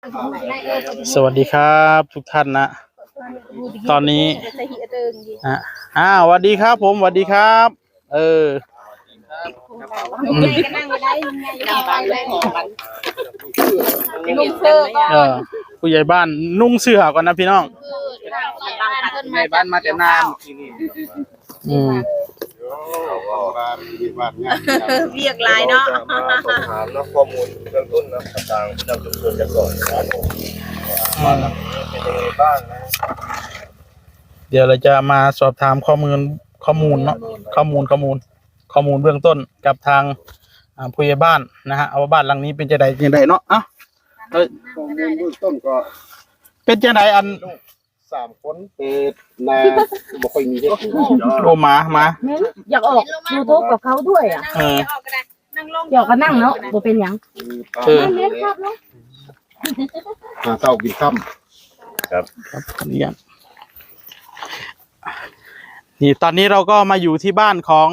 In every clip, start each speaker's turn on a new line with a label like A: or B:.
A: สวัสดีครับทุกท่านนะตอนนี้สวัสดีครับผมสวัสดีครับผู้ใหญ่บ้านนุ่งเสื้อก่อนนะพี่น้อง
B: ผู้ใหญ่บ้านมาแต่นานที่นี่
C: เรียกลายเนาะ
B: สอบถามนะข้อมูลเบื้องต้นนะต่างๆประจำชุมชนกันก่อนบ้านหลังนี้เป็นยังไงบ้างนะ
A: เดี๋ยวเราจะมาสอบถามข้อมูลเนาะข้อมูลเบื้องต้นกับทางผู้ใหญ่บ้านนะฮะเอาบ้านหลังนี้เป็นจังไดเนาะ
B: ข้อมูลเบื้องต้นก็
A: เป็นจังไดอัน
B: 3 คนเป็นนาบ่ค่อยมีเด็ก
A: โอมา
C: อยากออกยูทูบกับเขาด้วยอ่ะอยากก็นั่งเนาะบ่เป็นหยังเล่นครับเนาะ
B: เต้ากินค่ำ
A: ครับนี่ตอนนี้เราก็มาอยู่ที่บ้านของ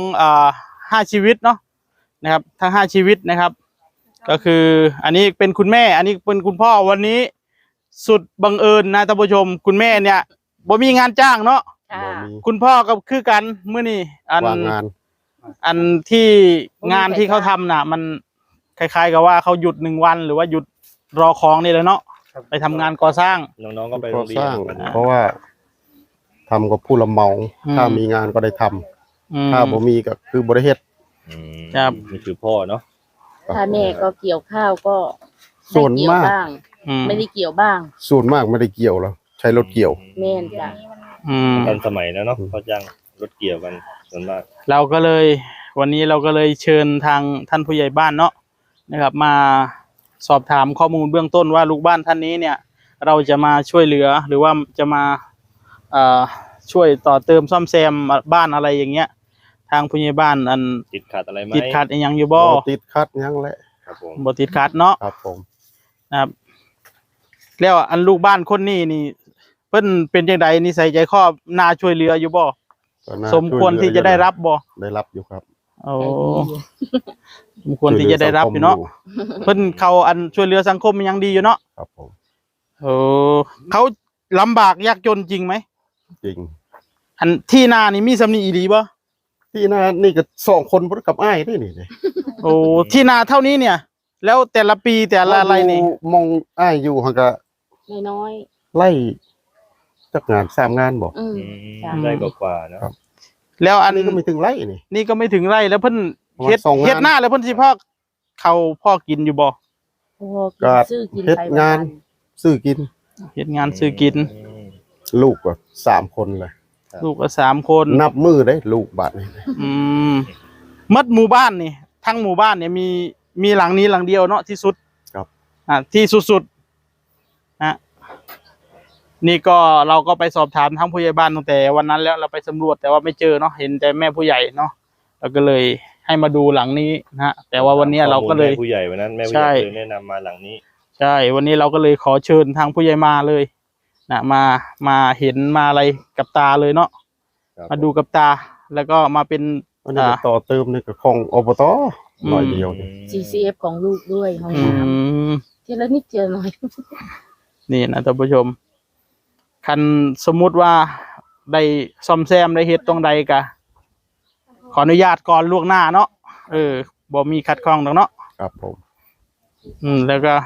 A: 5 ชีวิตเนาะนะครับทั้ง5 ชีวิตนะครับก็คืออันนี้เป็นคุณแม่อันนี้เป็นคุณพ่อวันนี้สุดบังเอิญนะท่านผู้ชมคุณแม่เนี่ยบ่มีงานจ้างเนาะคุณพ่อก็คือกันเมื่อนี้อันที่งานที่เขาทำน่ะมันคล้ายๆกับว่าเขาหยุด1 วันหรือว่าหยุดรอของนี่เลยเนาะไปทำงานก่อสร้าง
B: น้องๆก็ไปโรงเรียนเพราะว่าทำกับผู้รับเหมาถ้ามีงานก็ได้ทำถ้าบ่มีก็คือบ่ได้เฮ็ด
A: ครับ
B: นี่คือพ่อเนาะ
C: ถ้าแม่ก็เกี่ยวข้าวก็
B: ส่วนมาก
C: ไม่ได้เกี่ยวบ้าง
B: ส่วนมากไม่ได้เกี่ยวแล้วใช้รถเกี่ยว
C: แม่นจ้ะ
B: ตอนสมัยแล้วเนาะเขาจ้างรถเกี่ยวกันส่วนมาก
A: เราก็เลยวันนี้เราก็เลยเชิญทางท่านผู้ใหญ่บ้านเนาะนะครับมาสอบถามข้อมูลเบื้องต้นว่าลูกบ้านท่านนี้เนี่ยเราจะมาช่วยเหลือหรือว่าจะมาช่วยต่อเติมซ่อมแซมบ้านอะไรอย่างเงี้ยทางผู้ใหญ่บ้านอัน
B: ติดขัดอะไรไหม
A: ติดขัดยังอยู่บ่
B: ติดขัดยังแหละครับผม
A: บ่ติดขัดเนาะ
B: ครับผม
A: นะครับแล้วอันลูกบ้านคนนี้นี่เพิ่นเป็นจังไดนิสัยใจคอน่าช่วยเหลืออยู่บ่สมควรที่จะได้รับบ่
B: ได้รับอยู่ครับ
A: โอ้สมควรที่จะได้รับอยู่เนาะเพิ่นเขาอันช่วยเหลือสังคมยังดีอยู่เนาะ
B: ครับผม
A: เขาลำบากยากจนจริงไหม
B: จริง
A: อันที่นานี่มีสำนีอีหลีบ่
B: ที่นานี่ก็2 คนบ่กับอ้ายนี่
A: โอ้ที่นาเท่านี้เนี่ยแล้วแต่ละปีแต่ละอะไรนี่
B: มองอ้ายอยู่หั่นก็
C: น้อย
B: ไล่จักงาน3 งานบ่ได้กว่าๆนะครับ
A: แล้วอัน
B: นี้ก็ไม่ถึงไร่
A: นี่ก็ไม่ถึงไร่แล้วเพิ่นเฮ็ดหน้าแล้วเพิ่นสิพ่อกินอยู่บ่
B: ก็เฮ็ดงานซื้อกิน
A: เฮ็ดงานซื้อกิน
B: ลูกก็3 คนเลย
A: ลูกก็3 คน
B: นับมือได้ลูกบัดนี้
A: มัดหมู่บ้านนี่ทั้งหมู่บ้านเนี่ยมีหลังนี้หลังเดียวเนาะที่สุด
B: ครับ
A: ที่สุดๆนะนี่ก็เราก็ไปสอบถามทั้งผู้ใหญ่บ้านตั้งแต่วันนั้นแล้วเราไปสำรวจแต่ว่าไม่เจอเนาะเห็นแต่แม่ผู้ใหญ่เนาะเราก็เลยให้มาดูหลังนี้นะฮะแต่ว่าวันนี้เราก็เลย
B: ผู้ใหญ่วันนั้นแม่ผู้ใหญ่แนะนำมาหลังนี้
A: ใช่วันนี้เราก็เลยขอเชิญทางผู้ใหญ่มาเลยนะมาเห็นมาอะไรกับตาเลยเนาะมาดูกับตาแล้วก็มาเป็น
B: ต่อเติมนี่ก็ของอบตหน่อยเดียว
C: CCF ของลูกด้วยห้องน้ำทีละนิดทีละหน่อย
A: นี่นะท่านผู้ชมคันสมมุติว่าได้ซ่อมแซมได้เฮ็ดตรงใดกะขออนุญาตก่อนล่วงหน้าเนาะบ่มีขัดข้องดอกเนาะ
B: ครับผม
A: แล้วก็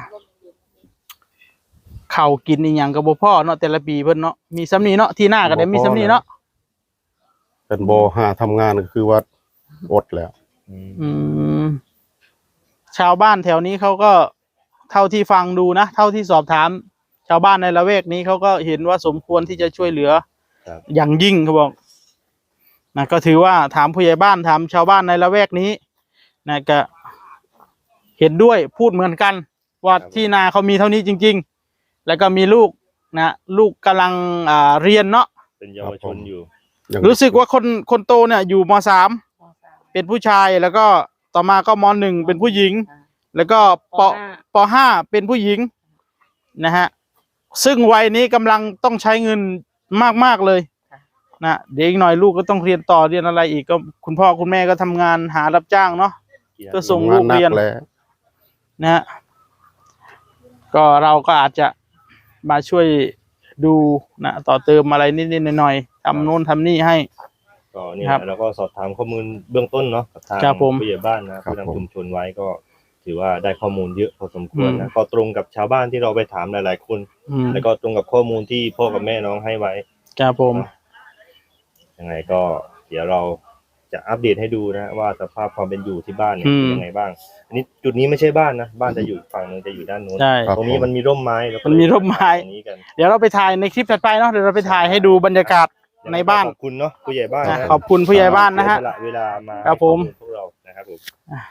A: ข้าวกินอีหยังก็บ่พอเนาะแต่ละปีเพิ่นเนาะมีซ้ำนี้เนาะที่หน้าก็ได้มีซ้ำนี้เนาะ
B: เป็นบ่หาทำงานก็คือว่าอดแล้ว
A: ชาวบ้านแถวนี้เขาก็เท่าที่ฟังดูนะเท่าที่สอบถามชาวบ้านในละแวกนี้เขาก็เห็นว่าสมควรที่จะช่วยเหลืออย่างยิ่งเขาบอกนะก็ถือว่าถามผู้ใหญ่บ้านถามชาวบ้านในละแวกนี้นะก็เห็นด้วยพูดเหมือนกันว่าที่นาเขามีเท่านี้จริงๆแล้วก็มีลูกนะลูกกำลังเรียนเนาะ
B: เป็นเยาวชนอยู่
A: รู้สึกว่าคนโตเนี่ยอยู่ม.3เป็นผู้ชายแล้วก็ต่อมาก็ม.1เป็นผู้หญิงแล้วก็ป.5เป็นผู้หญิงนะฮะซึ่งวัยนี้กำลังต้องใช้เงินมากเลยนะเด็กหน่อยลูกก็ต้องเรียนต่อเรียนอะไรอีกก็คุณพ่อคุณแม่ก็ทำงานหารับจ้างเนาะก็ส่งลูกเรียนนะฮะก็เราก็อาจจะมาช่วยดูนะต่อเติมอะไรนิดๆหน่อยๆทำโน่นทำนี่ให้
D: ก็เนี่ย
A: ครับ
D: แล้วก็สอบถามข้อมูลเบื้องต้นเนาะกับทาง
A: ครับผม
D: ผู้ใหญ่บ้านนะ
B: ครับ
D: ผู้
B: ผม
D: นำชุมชนไว้ก็ถือว่าได้ข้อมูลเยอะพอสมควรนะก็ตรงกับชาวบ้านที่เราไปถามหลายๆคน แล้วก็ตรงกับข้อมูลที่พ่อกับแม่น้องให้ไว้
A: ครับผม
D: ยังไงก็เดี๋ยวเราจะอัปเดตให้ดูนะว่าสภาพความเป็นอยู่ที่บ้านเนี่ยเป็นยังไงบ้างอันนี้จุดนี้ไม่ใช่บ้านนะบ้านจะอยู่อีกฝั่งนึงจะอยู่ด้านโน้น
A: ใช่
D: ตรงนี้มันมีร่มไม้แล้วก็
A: มันมีร่มไม้
D: ตรงนี้กัน
A: เดี๋ยวเราไปถ่ายในคลิปถัดไปเนาะเดี๋ยวเราไปถ่ายให้ดูบรรยากาศในบ้าน
D: ขอบคุณเนาะผู้ใหญ่บ้าน
A: นะ
D: นะ
A: ขอบคุณผู้ใหญ่บ้านนะฮะ
D: เสียสลเวลามา
A: ครับผม
D: ให้ข้อลพวกเรานะครับผม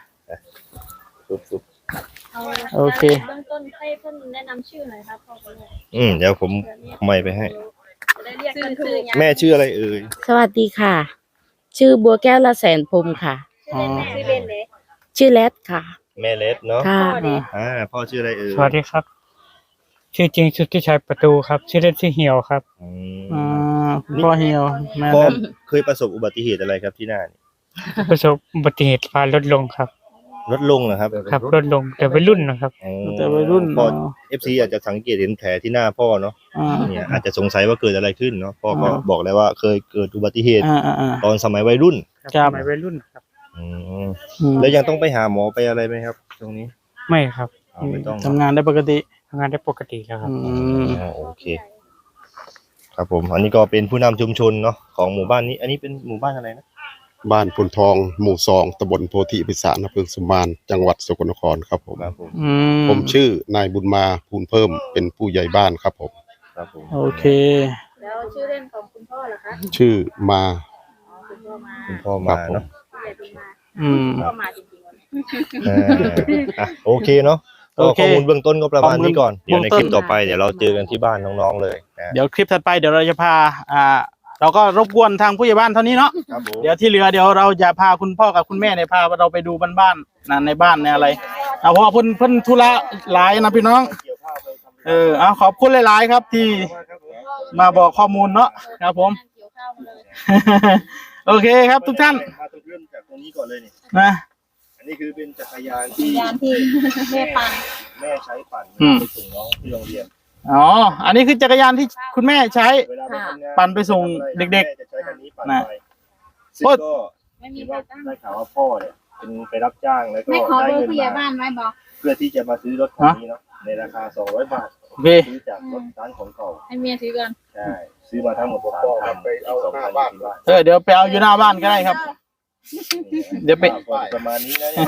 D: ปุ๊บ
A: โอเค
E: เบื้องต้นให้เพิ่นแนะนำชื่อหน่อยครับพ่อคุณแม่
D: เดี๋ยวผมไม่ไปให้
E: จะได้เรียกกันถูก
D: แม่ชื่ออะไรเอ่ย
C: สวัสดีค่ะ ชื่อบัวแก้วละแสนพรหมค่ะ
E: ชื่อเล่นชื่อเล่นเลย
C: ชื่อแรดค่ะ
D: แม่เล็ดเนาะ
C: ค่ะ
D: พ่อชื่ออะไรเอ่ย
F: สวัสดีครับ ชื่อจริงสุทธิชัยประตูครับ ชื่อเล่นชื่อเหี่ยวครับ
D: อืม
A: คุณพ่อเฮียวแม่
D: พ่อ
A: เล็ด
D: เคยประสบอุบัติเหตุอะไรครับที่หน้านี่
F: ประสบอุบัติเหตุฟ้าลดลงครับ
D: ลดลงเหรอครับ
F: ครับลดลงแต่วัยรุ่นนะครับ
D: อ๋อ
A: แต่วัยรุ่น
D: พ่อ FC อาจจะสังเกตเห็นแผลที่หน้าพ่อเนาะ
A: อ่า
D: เนี่ยอาจจะสงสัยว่าเกิดอะไรขึ้นเนาะพ่อก็
A: อ่า
D: บอกแล้วว่าเคยเกิดอุบัติเหตุ
A: อ่า
D: ตอนสมัยวัยรุ่น
A: ครับ
F: สมัยวัยรุ่นครับ
D: อืมแล้วยังต้องไปหาหมอไปอะไรไหมครับ ตรงนี้
F: ไม่ครับ
D: ไม่ต้อง
A: ทำงานได้ปกติ
F: ทำงานได้ปกติแล้วครับ
D: โอเค ครับผม อันนี้ก็เป็นผู้นำชุมชนเนาะของหมู่บ้านนี้ อันนี้เป็นหมู่บ้านอะไรนะ
B: บ้านพลทองหมู่2ตำบลโพธิพิสารอำเภอสุมานจังหวัดสกลนครครับผม
D: ครับผม
B: ผมชื่อนายบุญมาภูลเพิ่มเป็นผู้ใหญ่บ้านครับผม
D: ครับผม
A: โอเค
E: แล้วชื่อเล่นของคุณพ่อเหรอคะ
B: ชื่อมา
E: อ๋อคุณพ่อมา
D: คุณพ่อมาเนาะ
E: ผู้ใหญ่เป็นมา
A: ครับ
E: พ่อมาจริงๆวันนี้
D: โอเคเนาะก็
A: โอเค
D: ข้อมูลเบื้องต้นก็ประมาณนี้ก่อน
A: ข้อมูล
D: เดี๋ยวในคลิปต่อไปเดี๋ยวเราเจอกันที่บ้านน้องๆเลยนะ
A: เดี๋ยวคลิปถัดไปเดี๋ยวเราจะพาเราก็รบกวนทางผู้ใหญ่บ้านเท่านี้เนาะ
D: ครับผม
A: เดี๋ยวที่เหลือเดี๋ยวเราจะพาคุณพ่อกับคุณแม่เนี่ยพาเราไปดูบ้านๆนะในบ้านในอะไรเพราะว่าเพิ่นธุระหลายนะพี่น้องเอาขอบคุณหลายๆครับที่มาบอกข้อมูลเนาะครับผม
E: เกี่ยวข้าวมาเลย
A: โอเคครับทุกท่าน
D: มาเริ่มจากตรงนี้ก่อนเลยนี่
A: นะ
D: อันนี้คือเป็นจักรยานที่
E: ยานที่แม่ปัง
D: แม่ใช้ปั่นไปส่งน้องที่โรงเรียน
A: อ๋ออันนี้คือจักรยานที่คุณแม่ใช้
D: เวลาไปทำงาน
A: ปั่นไปส่งเด็กๆ
D: แม่จะใช้คันนี้ปั่น
A: นะ
D: ไปซึ่งก็
E: ไม่มี
D: เห็น
E: ใคร
D: ว่า
E: ตั้ง
D: ได้ข่าวว่าพ่อเนี่ยเป็นไปรับจ้างแล้วก็
E: ไม่ขอ
D: ได้
E: เบอร์
D: เงิน
E: ผู้ใหญ่
D: มา
E: บ้านไว้บอก
D: เพื่อที่จะมาซื้อรถคันนี้เนาะในราคา200 บาท
A: โอเค
D: ซื้อจากรถร้านของเก่า
E: ให้เมียถือก่อน
D: ใช่ซื้อมาทั้งหมด3 คันไปเอาหน้าบ้าน
A: เดี๋ยวไปเอาอยู่หน้าบ้านก็ได้ครับ เดี๋ยวไป
D: ประมาณนี้นะเนี่ย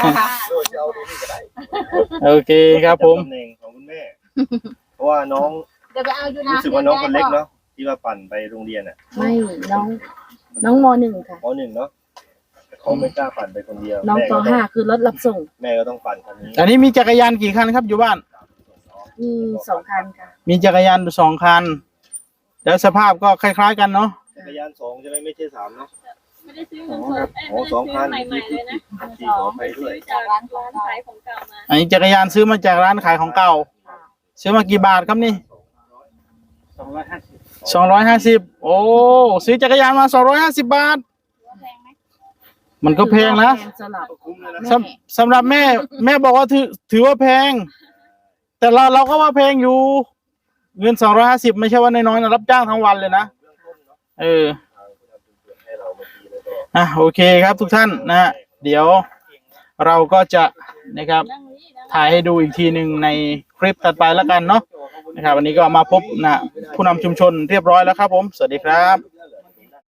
A: โอเคครับผม
D: ตำแหน่งของคุณแม่ เพราะว่าน้อง
E: เดี๋ยวไปเอาอยู่นะ
D: รู้สึกว่าน้องคนเล็กเนาะที่ว่าปั่นไปโรงเรียนอ่ะ
C: ไม่น้องมหนึ่งค่ะ
D: ป .1 เนาะเขาไม่กล้าปั่นไปคนเดียว
C: น้อง
D: แม่
C: ป
D: ก็
C: ห้าคือรถรับส่ง
D: แม่ก็ต้องปั่นคันนี้
A: อันนี้มีจักรยานกี่คันครับอยู่บ้าน
C: มี2 คันค่ะ
A: มีจักรยานอยู่2 คันแล้วสภาพก็คล้ายๆกันเนาะ
D: จักรยาน2ใช่ไหมไม่ใช่3เนาะ
E: ไม่ได้ซื้อเงินสดไม่ได้ซื้อใหม่ๆเลยนะ
D: ที่ขอไปด้วย
E: จากร้านขายของเก่ามา
A: อันนี้จักรยานซื้อมาจากร้านขายของเก่า ซื้อมากี่บาทครับนี่250โอ้ซื้อจักรยานมา250 บาท มันก็แพงนะ
C: สำหรับ
D: คุ้มเลยนะ
A: สำหรับแม่บอกว่าถือว่าแพง แต่เราก็ว่าแพงอยู่ เงิน250ไม่ใช่ว่าน้อยๆนะรับจ้างทั้งวันเลยนะโอเคครับทุกท่านนะฮะเดี๋ยวเราก็จะนะครับถ่ายให้ดูอีกทีหนึ่งในคลิปถัดไปแล้วกันเนาะนะครับวันนี้ก็มาพบนะผู้นำชุมชนเรียบร้อยแล้วครับผมสวัสดีครับ